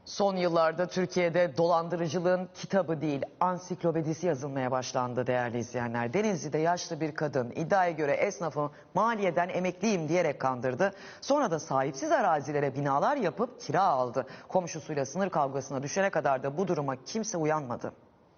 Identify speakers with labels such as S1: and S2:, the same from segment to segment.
S1: Son yıllarda Türkiye'de dolandırıcılığın kitabı değil, ansiklopedisi yazılmaya başlandı değerli izleyenler. Denizli'de yaşlı bir kadın iddiaya göre esnafı maliyeden emekliyim diyerek kandırdı. Sonra da sahipsiz arazilere binalar yapıp kira aldı. Komşusuyla sınır kavgasına düşene kadar da bu duruma kimse uyanmadı.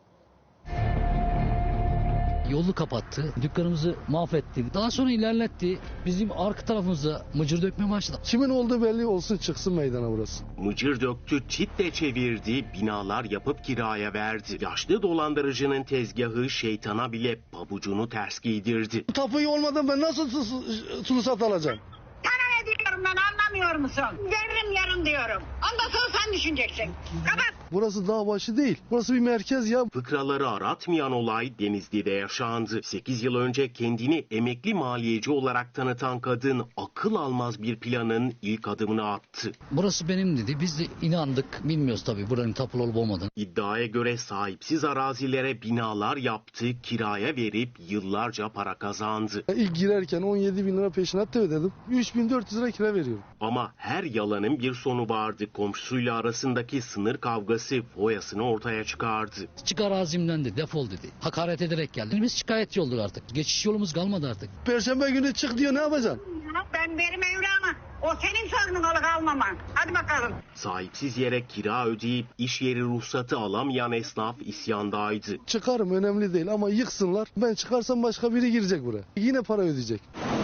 S2: Yolu kapattı, dükkanımızı mahvetti. Daha sonra ilerletti. Bizim arka tarafımıza mıcır dökmeye başladı.
S3: Kimin olduğu belli olsun, çıksın meydana burası.
S4: Mıcır döktü, çitle çevirdi, binalar yapıp kiraya verdi. Yaşlı dolandırıcının tezgahı şeytana bile pabucunu ters giydirdi.
S3: Bu tapuyu olmadan ben nasıl ruhsat alacağım?
S5: Sana ne diyorum ben, anlamıyor musun? Veririm yarın diyorum. Ondan sonra sen düşüneceksin. Kapat.
S3: Burası dağ başı değil. Burası bir merkez ya.
S4: Fıkraları aratmayan olay Denizli'de yaşandı. 8 yıl önce kendini emekli maliyeci olarak tanıtan kadın akıl almaz bir planın ilk adımını attı.
S2: Burası benim dedi. Biz de inandık. Bilmiyoruz tabii buranın tapulu olup olmadığını.
S4: İddiaya göre sahipsiz arazilere binalar yaptı, kiraya verip yıllarca para kazandı.
S3: İlk girerken 17 bin lira peşinat da ödedim. 3400 lira kira veriyorum.
S4: Ama her yalanın bir sonu vardı. Komşusuyla arasındaki sınır kavgası foyasını ortaya çıkardı.
S2: Çık arazimden de defol dedi. Hakaret ederek geldi. Biz şikayetçi olduk artık. Geçiş yolumuz kalmadı artık.
S3: Perşembe günü çık diyor, ne yapacaksın?
S5: Ben verim evranı. O senin sorunun alıp almaman. Hadi bakalım.
S4: Sahipsiz yere kira ödeyip iş yeri ruhsatı alamayan esnaf isyandaydı.
S3: Çıkarım, önemli değil ama yıksınlar. Ben çıkarsam başka biri girecek buraya. Yine para ödeyecek.